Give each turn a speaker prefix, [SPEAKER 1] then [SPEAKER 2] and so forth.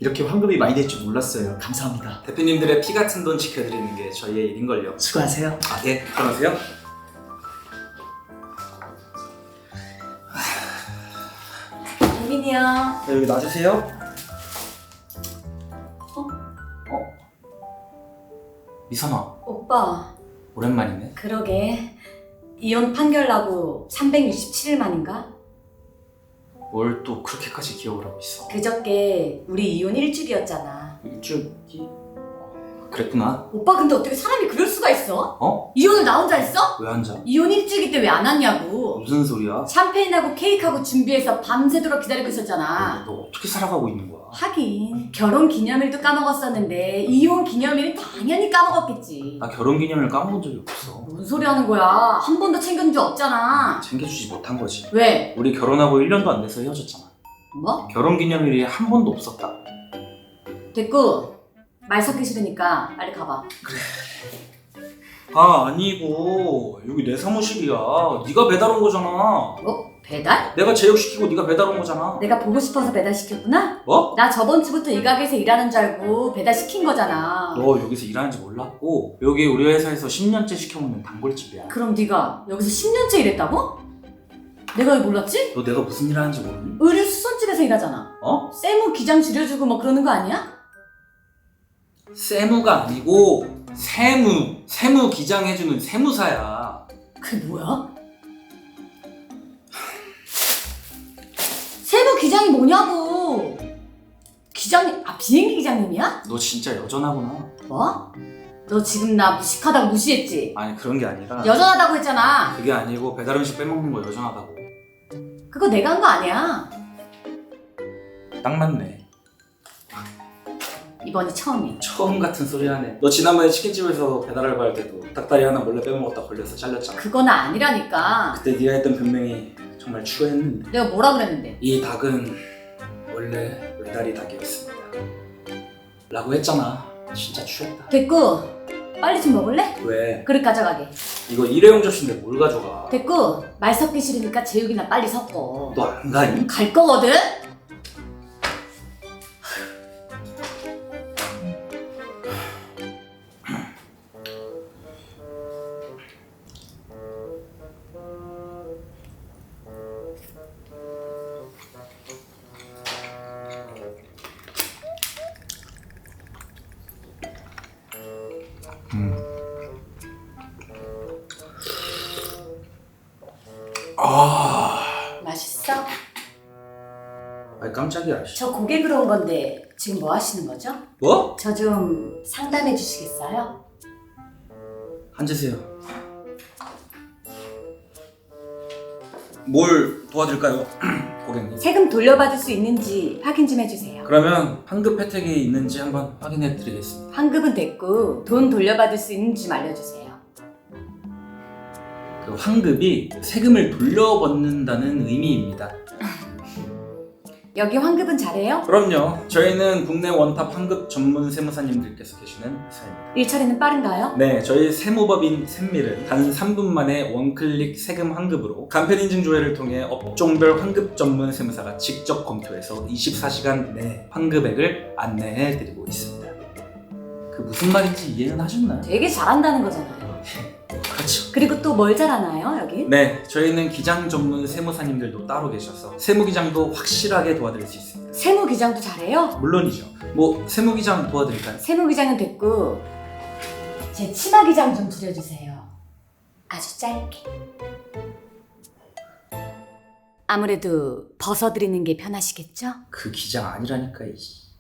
[SPEAKER 1] 이렇게 환급이 많이 될 줄 몰랐어요. 감사합니다.
[SPEAKER 2] 대표님들의 피 같은 돈 지켜드리는 게 저희의 일인걸요.
[SPEAKER 1] 수고하세요.
[SPEAKER 2] 아, 예, 들어가세요.
[SPEAKER 3] 민이야.
[SPEAKER 2] 네, 여기 놔주세요. 미선아,
[SPEAKER 3] 오빠.
[SPEAKER 2] 오랜만이네.
[SPEAKER 3] 그러게. 이혼 판결 나고 367일 만인가?
[SPEAKER 2] 뭘 또 그렇게까지 기억을 하고 있어?
[SPEAKER 3] 그저께 우리 이혼 일주기였잖아.
[SPEAKER 2] 일주기? 그랬구나.
[SPEAKER 3] 오빠 근데 어떻게 사람이 그럴 수가 있어?
[SPEAKER 2] 어?
[SPEAKER 3] 이혼을 나 혼자 했어?
[SPEAKER 2] 왜 앉아?
[SPEAKER 3] 이혼 일주기 때 왜 안 왔냐고.
[SPEAKER 2] 무슨 소리야?
[SPEAKER 3] 샴페인하고 케이크하고 준비해서 밤새도록 기다리고 있었잖아.
[SPEAKER 2] 너 어떻게 살아가고 있는 거야?
[SPEAKER 3] 하긴 결혼 기념일도 까먹었었는데 이혼 기념일은 당연히 까먹었겠지.
[SPEAKER 2] 나 결혼기념일 까먹은 적이 없어.
[SPEAKER 3] 뭔 소리 하는 거야? 한 번도 챙겨준 적 없잖아.
[SPEAKER 2] 챙겨주지 못한 거지.
[SPEAKER 3] 왜?
[SPEAKER 2] 우리 결혼하고 1년도 안 돼서 헤어졌잖아.
[SPEAKER 3] 뭐?
[SPEAKER 2] 결혼기념일이 한 번도 없었다.
[SPEAKER 3] 됐고 말 섞기 싫으니까 빨리 가봐.
[SPEAKER 2] 아, 아니고 여기 내 사무실이야. 네가 배달 온 거잖아.
[SPEAKER 3] 어? 배달?
[SPEAKER 2] 내가 제육시키고 네가 배달 온 거잖아.
[SPEAKER 3] 내가 보고 싶어서 배달시켰구나?
[SPEAKER 2] 뭐?
[SPEAKER 3] 나 저번 주부터 이 가게에서 일하는 줄 알고 배달시킨 거잖아.
[SPEAKER 2] 너 여기서 일하는지 몰랐고 여기 우리 회사에서 10년째 시켜먹는 단골집이야.
[SPEAKER 3] 그럼 네가 여기서 10년째 일했다고? 내가 왜 몰랐지?
[SPEAKER 2] 너 내가 무슨 일 하는지 모르니?
[SPEAKER 3] 의류 수선집에서 일하잖아.
[SPEAKER 2] 어?
[SPEAKER 3] 세무 기장 줄여주고 뭐 그러는 거 아니야?
[SPEAKER 2] 세무가 아니고 세무 기장해주는 세무사야.
[SPEAKER 3] 그게 뭐야? 세무 기장이 뭐냐고. 기장님, 비행기 기장님이야?
[SPEAKER 2] 너 진짜 여전하구나.
[SPEAKER 3] 뭐? 너 지금 나 무식하다고 무시했지?
[SPEAKER 2] 아니, 그런 게 아니라
[SPEAKER 3] 여전하다고 했잖아.
[SPEAKER 2] 그게 아니고 배달 음식 빼먹는 거 여전하다고.
[SPEAKER 3] 그거 내가 한 거 아니야.
[SPEAKER 2] 딱 맞네.
[SPEAKER 3] 이번이 처음이야.
[SPEAKER 2] 처음 같은 소리 하네. 너 지난번에 치킨집에서 배달 알바할 때도 닭다리 하나 몰래 빼먹었다 걸려서 잘렸잖아.
[SPEAKER 3] 그건 아니라니까.
[SPEAKER 2] 그때 네가 했던 변명이 정말 추가했는데.
[SPEAKER 3] 내가 뭐라 그랬는데?
[SPEAKER 2] 이 닭은 원래 외다리 닭이었습니다 라고 했잖아. 진짜 취했다.
[SPEAKER 3] 됐고 빨리 좀 먹을래?
[SPEAKER 2] 왜?
[SPEAKER 3] 그릇 가져가게.
[SPEAKER 2] 이거 일회용 접시인데 뭘 가져가?
[SPEAKER 3] 됐고 말 섞기 싫으니까 제육이나 빨리 섞어.
[SPEAKER 2] 너 안 가니?
[SPEAKER 3] 갈 거거든? 맛있어?
[SPEAKER 2] 아이, 깜짝이야.
[SPEAKER 3] 저 고객으로 온 건데 지금 뭐 하시는 거죠?
[SPEAKER 2] 뭐?
[SPEAKER 3] 저 좀 상담해 주시겠어요?
[SPEAKER 2] 앉으세요. 뭘 도와드릴까요? 고객님.
[SPEAKER 3] 세금 돌려받을 수 있는지 확인 좀 해주세요.
[SPEAKER 2] 그러면 환급 혜택이 있는지 한번 확인해 드리겠습니다.
[SPEAKER 3] 환급은 됐고 돈 돌려받을 수 있는지 좀 알려주세요.
[SPEAKER 2] 그 환급이 세금을 돌려받는다는 의미입니다.
[SPEAKER 3] 여기 환급은 잘해요?
[SPEAKER 2] 그럼요. 저희는 국내 원탑 환급 전문 세무사님들께서 계시는 회사입니다.
[SPEAKER 3] 일 처리는 빠른가요?
[SPEAKER 2] 네, 저희 세무법인 샘밀은 단 3분 만에 원클릭 세금 환급으로 간편인증 조회를 통해 업종별 환급 전문 세무사가 직접 검토해서 24시간 내 환급액을 안내해 드리고 있습니다. 그 무슨 말인지 이해는 하셨나요?
[SPEAKER 3] 되게 잘한다는 거잖아요.
[SPEAKER 2] 그렇죠.
[SPEAKER 3] 그리고 또 뭘 잘하나요 여기?
[SPEAKER 2] 네, 저희는 기장 전문 세무사님들도 따로 계셔서 세무기장도 확실하게 도와드릴 수 있습니다.
[SPEAKER 3] 세무기장도 잘해요?
[SPEAKER 2] 물론이죠. 뭐 세무기장 도와드릴까요?
[SPEAKER 3] 세무기장은 됐고 제 치마기장 좀 줄여주세요. 아주 짧게. 아무래도 벗어드리는 게 편하시겠죠?
[SPEAKER 2] 그 기장 아니라니까.